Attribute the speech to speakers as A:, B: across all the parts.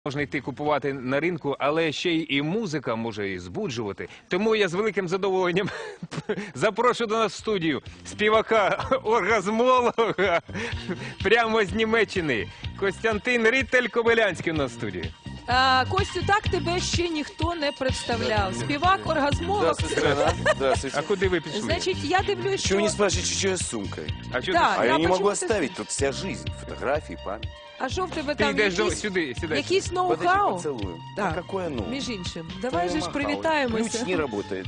A: можна йти купувати на ринку, але ще й музика може і збуджувати. Тому я з великим задоволенням запрошую до нас в студію співака-оргазмолога прямо з Німеччини. Костянтин Рітель-Кобилянський у нас в студії.
B: Костю, так тебе ще ніхто не представляв. Співак-оргазмолог.
A: А куди ви пішли?
B: Значить, я дивлюсь,
C: Чего
B: що...
C: не спрашиваете, что я с сумкой?
A: А що
B: Да,
A: ти?
C: А я не могу
B: почему-то-
C: оставить, тут вся жизнь, фотографии, память.
B: А що в тебе
A: Ти
B: там
A: йдеш
B: якісь,
A: сюди, сідай.
B: якісь
C: Подожди,
B: ноу-хау?
C: поцелуем.
B: Так.
C: А какое ну?
B: Між іншим, давай же ж
C: Ключ
B: привітаємося.
C: не работает.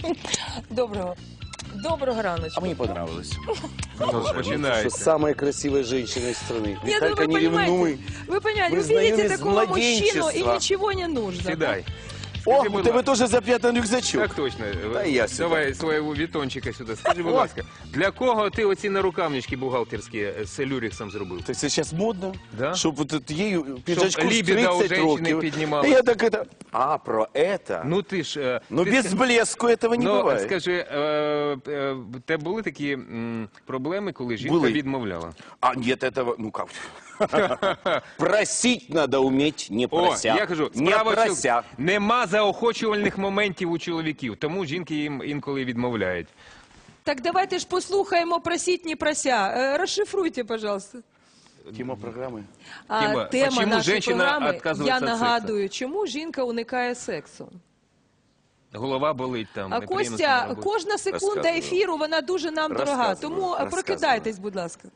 B: Доброго раночку.
C: А мне понравилось.
A: Починається.
C: Самая красивая женщина из страны.
B: Нет, ну
C: Виталька,
B: вы
C: не
B: понимаете,
C: ревнуй.
B: вы понимаете,
C: Мы
B: вы
C: знаем
B: видите
C: из
B: такого мужчину и
C: младенчества.
B: ничего не нужно.
A: Сідай.
C: О,
A: Скажи,
C: у
A: будь
C: тебе
A: ласка.
C: тоже запрятан рюкзачок.
A: Так точно.
C: Та я сюди.
A: Давай свого вітончика сюди. Скажи, будь ласка, для кого ти оці нарукавнички бухгалтерські з люрексом зробив?
C: Так это сейчас модно,
A: Да?
C: чтобы вот это ею пиджачку в
A: либидо у
C: 30
A: женщины
C: років.
A: поднималось.
C: Я так это... А, про это?
A: Ну ти ж...
C: Но
A: ти
C: без
A: ска-
C: блеску этого не
A: Ну,
C: бывает.
A: скажи, в тебе були такі проблеми, коли жінка
C: Були.
A: відмовляла?
C: А нет этого, ну как? Просить надо уметь, не
A: О,
C: прося.
A: я кажу,
C: не
A: справа
C: прося.
A: нема заохочувальних моментів у чоловіків, тому жінки їм інколи відмовляють.
B: Так давайте ж послухаємо «Просить, не прося». Розшифруйте, пожалуйста.
C: Тема программы.
A: Тема,
B: Тема
A: «Почему
B: нашої
A: женщина
B: програми,
A: отказується
B: я
A: від сексу?»
B: нагадую, чому жінка уникає сексу.
A: Голова болить там.
B: А
A: неприємно на
B: Костя,
A: роботі.
B: кожна секунда
C: Розказую.
B: ефіру, вона дуже нам дорога. Тому прокидайтесь, будь ласка.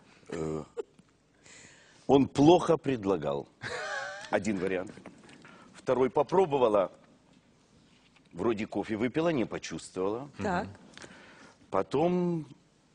C: Он плохо предлагал. Один вариант. Второй попробовала. Вроде кофе выпила, не почувствовала.
B: Так.
C: Потом,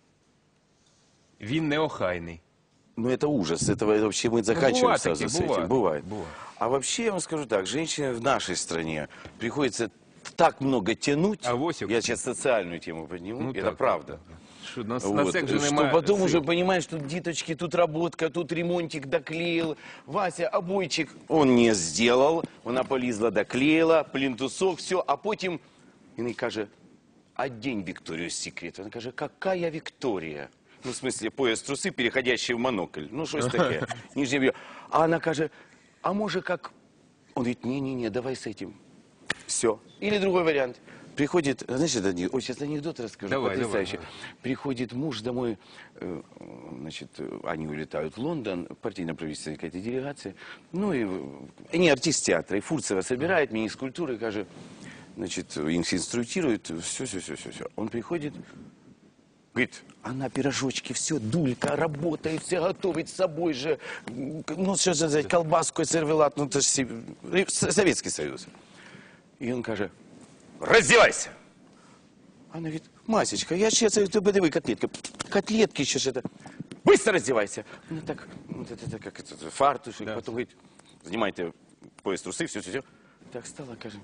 A: Він неохайний.
C: ну это ужас. Это вообще мы заканчиваем
A: бывает
C: сразу
A: такие,
C: с этим.
A: бывает.
C: Бывает. А вообще, я вам скажу так, женщине в нашей стране приходится так много тянуть.
A: А Восик?
C: Я сейчас социальную тему подниму.
A: Ну,
C: это
A: так,
C: правда.
A: Що, на
C: Вот,
A: секс же
C: что
A: немає
C: потом
A: сил.
C: уже понимаешь, что диточки, тут работка, тут ремонтик доклеил, Вася обойчик он не сделал, вона полізла, доклеила, плинтусок, все, а потім він каже, одень Викторию Секрет. Вона каже, какая Виктория? Ну, в смысле, пояс трусы, переходящий в монокль. Ну, щось таке. Нижнее белье. А она каже, а може как... Он говорит, не-не-не, давай с этим. Все. Или другой вариант. Приходит, знаешь, это, ой, сейчас анекдот расскажу,
A: Давай,
C: потрясающий.
A: давай.
C: Приходит муж домой, значит, они улетают в Лондон, партийно-правительственная какая-то делегация. Ну, и они артист театра, и Фурцева собирает, министр культуры, каже, значит, их инструктирует, все. Он приходит, говорит, она пирожочки, все, дулька, работает, все готовит с собой же. Ну, что же взять, колбаску, сервелат, ну, это же Советский Союз. И он каже, раздевайся. Она говорит, Масечка, я сейчас, ты подиви, котлетки. Котлетки еще что-то. Быстро раздевайся. Ну, так, вот это как это, фартушек,
A: Да.
C: потом говорит, занимайте пояс трусы, все. Так стала, каже.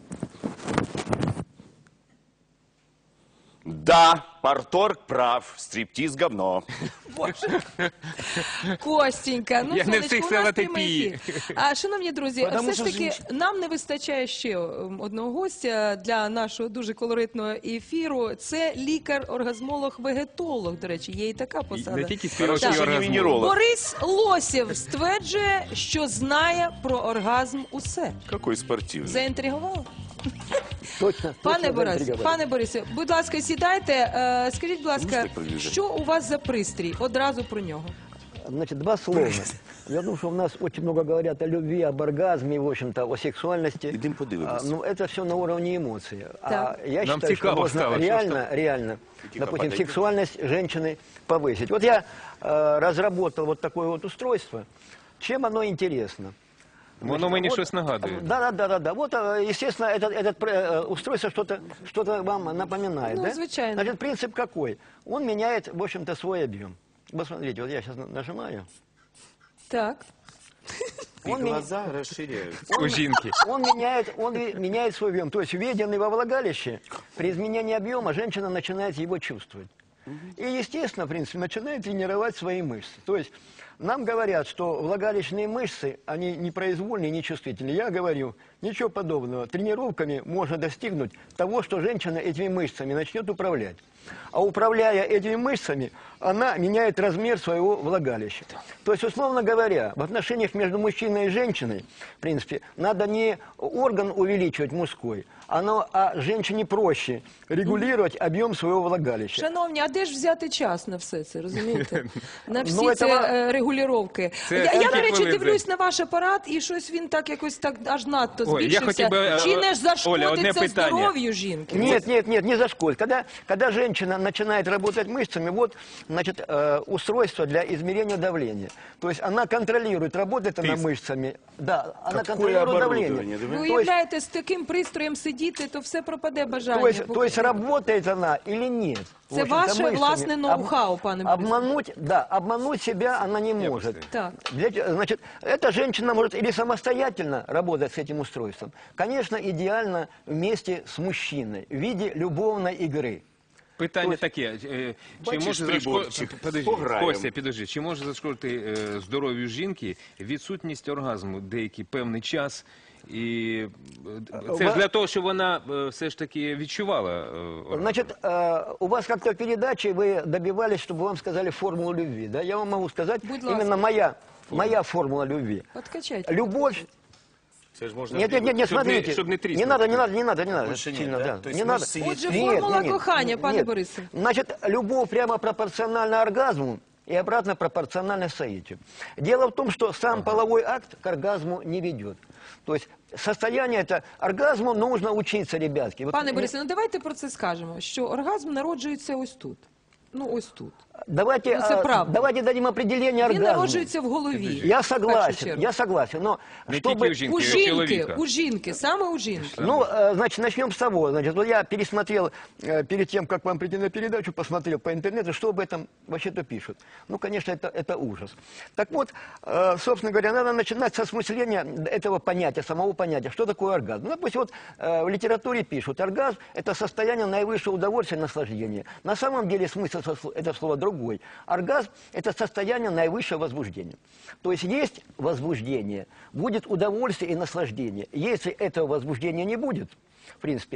C: Да, парторг прав, стриптиз говно.
B: Костенька, ну,
A: Я не
B: сонечко,
A: встиг
B: у нас
A: сказати
B: прямий
A: пі.
B: ефір. А, шановні друзі,
C: Потому
B: все ж
C: що
B: таки
C: жінки-
B: нам не вистачає ще одного гостя для нашого дуже колоритного ефіру. Це лікар-оргазмолог-вегетолог, до речі, є і така посада.
A: Не тільки співачий
C: Хорошо, що не
A: оргазм.
C: венеролог.
B: Борис Лосєв стверджує, що знає про оргазм усе.
C: Какой спортивный.
B: Заінтригувало?
D: Точно.
B: Пане Борисе, будь ласка, сідайте. Скажіть, будь ласка,
C: Можете приближати?
B: що у вас за пристрій? Одразу про нього.
D: Значит, два слова. Я думаю, что у нас очень много говорят о любви, об оргазме, в общем-то, о сексуальности.
C: Идем подивимось.
D: Ну, это все на уровне эмоций.
B: Так.
D: А я
A: Нам
D: считаю, что
A: цікаво
D: можно
A: стало, що
D: реально,
C: Тихо,
D: допустим,
C: подойди.
D: сексуальность женщины повысить. Вот я разработал вот такое вот устройство. Чем оно интересно?
A: Воно мені щось нагадує.
D: Да. Вот, естественно, это устройство что-то вам напоминает,
B: Ну,
D: да?
B: звичайно.
D: Значит, принцип какой? Он меняет, в общем-то, свой объем. Вот смотрите, вот я сейчас нажимаю.
B: Так.
C: И
D: Он меня-
C: глаза расширяются.
A: У жінки.
D: Он меняет свой объем. То есть введенный во влагалище, при изменении объема женщина начинает его чувствовать. И, естественно, в принципе, начинает тренировать свои мышцы. То есть нам говорят, что влагалищные мышцы, они непроизвольные, нечувствительные. Я говорю, ничего подобного. Тренировками можно достигнуть того, что женщина этими мышцами начнет управлять. А управляя этими мышцами, она меняет размер своего влагалища. То есть, условно говоря, в отношениях между мужчиной и женщиной, в принципе, надо не орган увеличивать мужской, а женщине проще регулировать объем своего влагалища.
B: Шановні, а де ж взяти час на все це, розумієте? На всі
D: Ну,
B: ці регулювання.
A: Це
B: Я,
A: скільки
B: до речі,
A: хвилин
B: дивлюсь на ваш апарат, і щось він так якось так аж надто
A: Ой, я
B: збільшився.
A: хотів би,
B: Чи не
A: Оля,
B: зашкодить
A: одне
B: це
A: питання.
B: здоров'ю жінки?
D: Нет, не зашкодит. Когда женщина начинает работать мышцами, вот, значит, устройство для измерения давления. То есть она контролирует, работает она мышцами. Да, она
C: Какое
D: контролирует
C: оборудование,
D: давление.
C: да?
B: Ви
D: То есть,
B: уявляєте, з таким пристроєм сидіти, то все пропаде бажання.
D: то есть работает она или нет? В
B: Це
D: общем-то,
B: ваше
D: мышцами.
B: власне ноу-хау, пане Борисович.
D: Обмануть себя она не может.
B: Так.
D: Значит, эта женщина может или самостоятельно работать с этим устройством. Конечно, идеально вместе с мужчиной в виде любовной игры.
A: Питання таке, чи
C: бачиш
A: може
C: приборчик?
A: Подожди,
C: Пограємо.
A: Костя, підожди, чи може зашкодити здоров'ю жінки відсутність оргазму деякий певний час? І це ж для того, щоб вона все ж таки відчувала оргазм.
D: Значит, у вас как-то в передаче вы добивались, чтобы вам сказали формулу любви. Да? Я вам могу сказать,
B: Будь ласка.
D: именно моя формула любви.
B: Подкачайте.
D: Любовь.
C: Це ж можна
D: Нет,
A: Щоб
D: смотрите.
A: не
D: не
A: тріснути.
D: надо.
C: Больше нет,
D: Сильно,
C: да?
D: да.
C: То есть
D: Не надо.
C: мышцы
B: Отже,
C: есть.
B: формула кохання, пане
D: нет.
B: Борисе.
D: Значит, любовь прямо пропорциональна оргазму и обратно пропорциональна соитию. Дело в том, что сам половой акт к оргазму не ведет. То есть состояние это оргазму нужно учиться, ребятки. Вот
B: Пане
D: мне-
B: Борисе, ну давайте про це скажемо, що оргазм народжується ось тут. Ну, ось тут.
D: Давайте,
B: Ну, це правда.
D: давайте дадим определение
B: Він
D: оргазму.
B: народжується в голові.
D: Я
B: в першу
D: согласен,
B: чергу.
D: но
A: Не
D: чтобы...
A: тільки у жінки,
B: У
A: і у
B: жінки,
A: чоловіка.
B: у жінки, саме у жінки.
D: Ну, значит, начнем с того. Значит, вот я пересмотрел, перед тем, как вам прийти на передачу, посмотрел по интернету, что об этом вообще-то пишут. Ну, конечно, это ужас. Так вот, собственно говоря, надо начинать со осмысления этого понятия, самого понятия. Что такое оргазм? Ну, допустим, вот в литературе пишут, оргазм – это состояние наивысшего удовольствия и наслаждения. На самом деле смысл этого слова другой. Оргазм – это состояние наивысшего возбуждения. То есть возбуждение, будет удовольствие и наслаждение. Если этого возбуждения не будет, в принципе,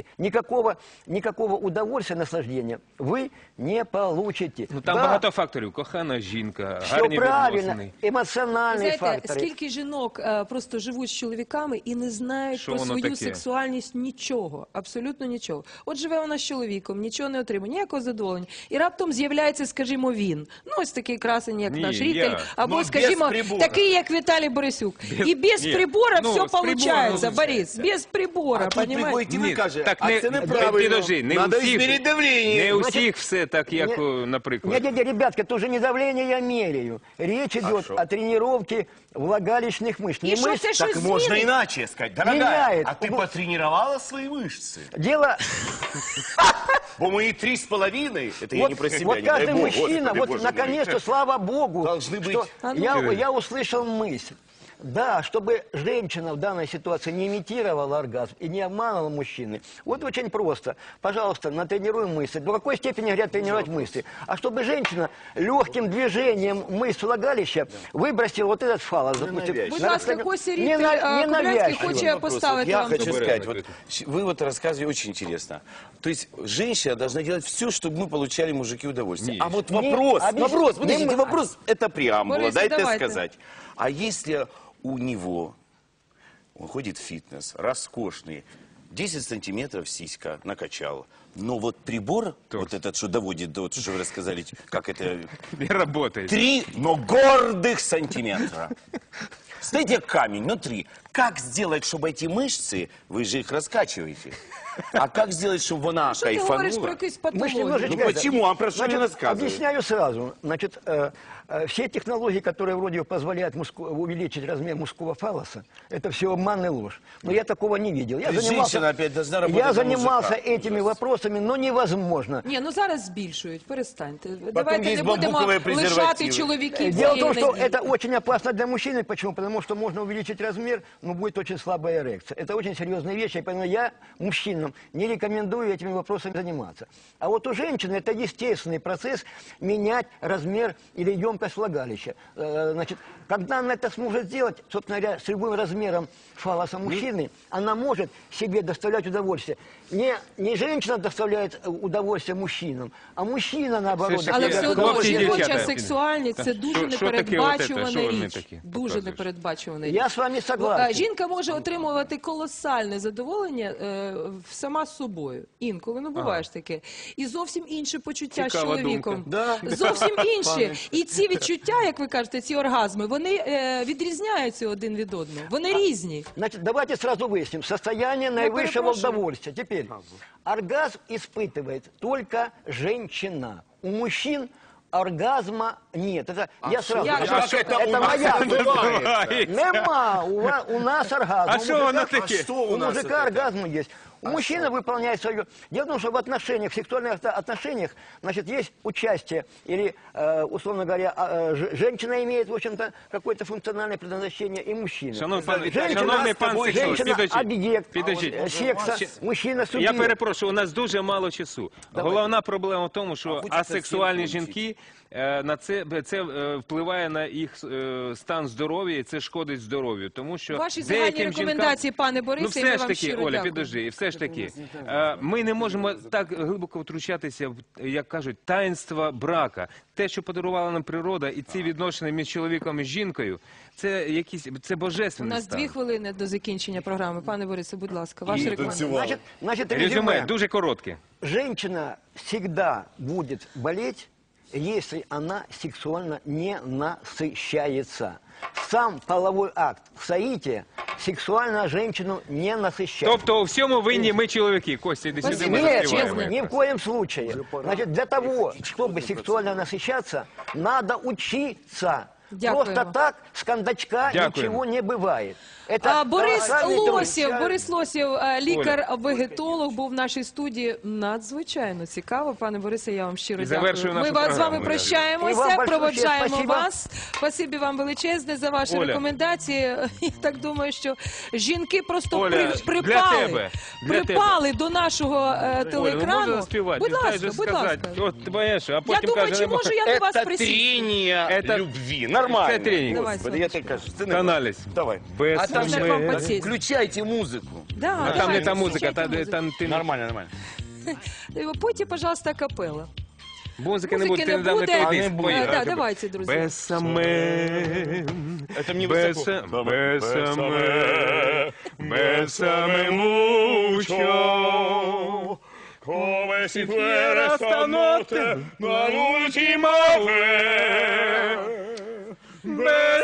D: никакого удовольствия, наслаждения вы не получите.
A: Ну, там
D: Да,
A: багато факторів. Кохана жінка,
D: все
A: гарні
D: правильно,
A: відносини.
D: эмоциональные
B: Знаєте,
D: факторы.
B: скільки жінок просто живуть з чоловіками і не знають
A: Що
B: про
A: воно
B: свою
A: таке?
B: сексуальність нічого, абсолютно нічого. От живе вона з чоловіком, нічого не отримує, ніякого задоволення. І раптом з'являється, скажімо, він. Ну, ось такий красень, як
A: Ні,
B: наш
A: я.
B: Рікель, або,
C: Ну, без
B: скажімо,
C: прибора.
B: такий, як Віталій Борисюк. І без
A: ні.
B: прибора
A: Ну,
B: все
A: з прибором
B: получается,
A: виходить.
B: Борис, без прибора,
C: А тут
B: понимаете?
C: приходить і ви
A: Ні,
C: каже,
A: так
C: а
A: не,
C: це неправильно.
A: підожди, не
C: Надо
A: у всіх,
C: измерить давление.
A: не у
D: Значить,
A: всіх все так, як,
D: не-
A: наприклад.
D: Нет, ребятки, это уже не давление я меряю. Речь идет о тренировке влагалищных мышц.
B: И
D: Не
B: что
D: мышц,
B: ты
C: Так
B: Что
C: можно
B: изменит?
C: иначе сказать. Дорогая,
D: Меняет.
C: а ты потренировала свои мышцы?
D: дело...
C: Бо мои 3,5, это я не про себя,
D: вот
C: не дай
D: каждый
C: бог,
D: мужчина,
C: Господи,
D: вот
C: Боже
D: наконец-то,
C: мой.
D: слава Богу,
C: Должны
D: что
C: быть-
D: я услышал мысль. Да, чтобы женщина в данной ситуации не имитировала оргазм и не обманывала мужчины. Вот очень просто. Пожалуйста, натренируем мысли. До какой степени говорят тренировать мысли? А чтобы женщина легким движением мышц влагалища выбросила вот этот фалос. Допустим,
C: навязчиво.
B: Будь
D: на
B: ласка,
D: расстоянии-
B: Костя
D: не
B: Рікель, Кобилянський
D: навязчиво.
B: хоче
C: Вопрос.
B: поставити
C: Я
B: вам
C: хочу
B: запитання.
C: сказать, вот, вы вот рассказываете очень интересно. То есть женщина должна делать все, чтобы мы получали, мужики, удовольствие.
A: Нет.
C: А вот
D: Не,
C: вопрос,
D: объясни-
C: подождите,
D: не-
C: вопрос, это преамбула,
B: Борис,
C: дайте
B: давайте.
C: сказать. А если у него, он ходит в фитнес, роскошный, 10 сантиметров сиська накачал, но вот прибор, вот этот, что доводит до, что вы рассказали, как это,
A: Не работает.
C: 3, но гордых сантиметра. Стоите как камень, но 3. Как сделать, чтобы эти мышцы, вы же их раскачиваете, а как сделать, чтобы она
B: Що ти говориш про
C: кайфанула?
B: якусь
D: Мы ж
B: патологію?
D: немножечко
C: Ну почему? А про что
D: Значит,
C: не рассказывают?
D: объясняю сразу. Значит, все технологии, которые вроде позволяют увеличить размер мужского фалоса, это все обман и ложь. Но я такого не видел. Я
C: То есть женщина опять должна работать
D: я
C: на
D: занимался
C: мужика.
D: этими вопросами, но невозможно.
B: Ні, ну зараз збільшують, перестаньте. Давайте
C: є
B: не будемо
C: бамбукові
B: лишати
C: презервативи.
B: чоловіків.
D: Дело в том,
B: цієї
D: что
B: надії.
D: это очень опасно для мужчины. Почему? Потому что можно увеличить размер, но будет очень слабая эрекция. Это очень серьезная вещь, и поэтому я мужчинам не рекомендую этими вопросами заниматься. А вот у женщины это естественный процесс менять размер или емкость влагалища. Значит, когда она это сможет сделать, собственно говоря, с любым размером фалоса мужчины, она может себе доставлять удовольствие. Не женщина доставляет удовольствие мужчинам, а мужчина, наоборот,
A: Все ж таки,
B: Але все одно
A: хлопці і
B: жіноча
A: дівчата.
B: сексуальність це дуже
A: Що таке от це? Що
B: непередбачувана
A: вони
B: річ.
A: такі
B: Дуже
A: показуєш?
B: непередбачувана річ.
D: Я с вами согласен.
B: Жінка може отримувати колосальне задоволення сама з собою. Інколи, ну буває ж таке. І зовсім інше почуття з
A: Цікава
B: чоловіком.
D: думка. Да.
B: Зовсім інші. І ці відчуття, як ви кажете, ці оргазми, вони відрізняються один від одного. Вони різні.
D: Значит, давайте сразу выясним. Состояние наивысшего
B: перепрошую.
D: удовольствия. Теперь, оргазм испытывает только женщина. У мужчин оргазма нет. Это я сразу.
B: я-
D: это моя. Нема. У нас оргазм.
A: А
D: У
A: що
D: мужика-
A: воно таке?
D: У мужика оргазм есть. У мужчины выполняет свое. Дело в том, что в отношениях, в сексуальных отношениях, значит, есть участие или, условно говоря, женщина имеет, в общем-то, какое-то функциональное предназначение, и мужчина.
A: Шановний пан
D: Женщина
A: Сексолог,
D: объект
A: підождіть.
D: секса, мужчина
A: Я
D: субъект.
A: перепрошую, у нас дуже мало часу. Головна проблема в тому, що асексуальні жінки на це впливає на їх стан здоров'я, і це шкодить здоров'ю. Тому що
B: Ваші загальні
A: деяким
B: рекомендації, пане Борисе,
A: ну
B: і ми
A: все ж
B: вам
A: таки,
B: щиро
A: Оля,
B: дякуємо.
A: підожди, і все ж таки, ми не можемо так глибоко втручатися в, як кажуть, таїнства брака. Те, що подарувала нам природа, і ці відношення між чоловіком і жінкою, це це
B: У
A: божественний
B: нас
A: стан.
B: 2 хвилини до закінчення програми. Пане Борисе, будь ласка, ваша рекомендація.
D: Значит,
A: Резюме дуже коротке.
D: Женщина всегда будет болеть, если она сексуально не насыщается. Сам половой акт в соите сексуально женщину не насыщает.
A: Тобто у всьому винні ми чоловіки. Костя, іди сюди, ми
D: Нет,
A: заспіваємо.
D: ни в коем случае. Значит, для того, чтобы сексуально насыщаться, надо учиться.
B: Дякуємо.
D: Просто так с кондачка
A: Дякуємо.
D: ничего не бывает. Это
B: Борис
D: колоссальный труд.
B: Лосєв, лікар-вегетолог, був в нашій студії. Надзвичайно цікаво. Пане Борисе, я вам щиро
A: І
B: дякую.
A: завершую
B: Ми
A: нашу
B: з вами
A: програму.
D: І
B: прощаємося,
D: вам большое
B: проводжаємо
D: спасибо.
B: вас. Спасибі вам величезне за ваші
A: Оля.
B: рекомендації. Я так думаю, що жінки просто
A: Оля, для
B: припали,
A: тебе,
B: припали до нашого
A: Оля, ну
B: телеекрану.
A: можна заспівати?
B: Будь
A: Ти знаєш,
B: ласка, будь
A: сказати.
B: ласка.
A: От, ти бачиш, а
B: Я
A: потім
B: думаю,
A: каже,
B: чи можу я до вас
C: Это
B: присісти?
C: трение
A: Это-
C: любви. Нормально.
A: Это тренинг.
B: Давай,
C: Господи, я тебе кажу. Сцена.
A: Аналіз.
C: Давай.
A: Без
C: А там
B: Можна
C: же
B: вам підсісти?
C: включайте музыку.
B: Да,
A: А там
B: давайте,
A: не та музика,
B: включайте музику.
A: там ти...
C: Нормально, нормально.
B: Пойте, пожалуйста, капелла.
A: Музики не буде,
B: Музики
A: ти
B: не
A: недавно
B: буде.
A: той
C: А, не
A: диск
C: буде.
A: поїхав.
B: Да, давайте, друзі.
A: Без самим,
C: Это мне
A: без
C: высоко.
A: самим, без самим мучо. Come si fuera stanotte la l'ultima vez. Без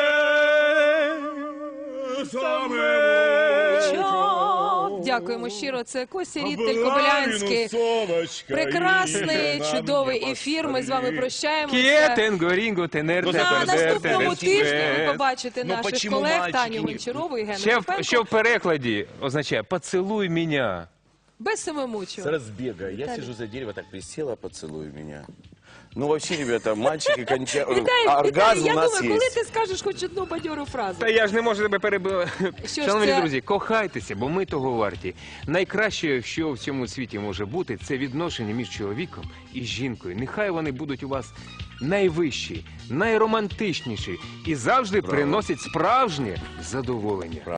A: самим.
B: Дякуємо щиро. Це Костя Ріттель Кобилянський. Прекрасний, чудовий ефір. Ми з вами прощаємося.
A: Кієтенго, рінго, тенерте,
B: На
A: пердерте,
B: наступному тижні ви побачите
C: Ну,
B: наших
C: почему
B: колег
C: мальчики
B: Таню
C: не-
B: Гончарову і Гену
A: Що
B: Шипенко.
A: в перекладі означає «поцілуй мене».
B: Без самомучу.
C: С разбега. Я сижу за дерево, так присела, поцелуй меня. Ну, вообще, ребята, мальчики кончают.
B: Віталій,
C: Оргазм
B: я
C: у нас
B: думаю, коли
C: есть.
B: ти скажеш хоч одну бадьору фразу.
A: Та я ж не можу тебе перебивати.
B: Що ж
A: Шановні
B: це?
A: друзі, кохайтеся, бо ми того варті. Найкраще, що в цьому світі може бути, це відношення між чоловіком і жінкою. Нехай вони будуть у вас найвищі, найромантичніші і завжди приносять справжнє задоволення.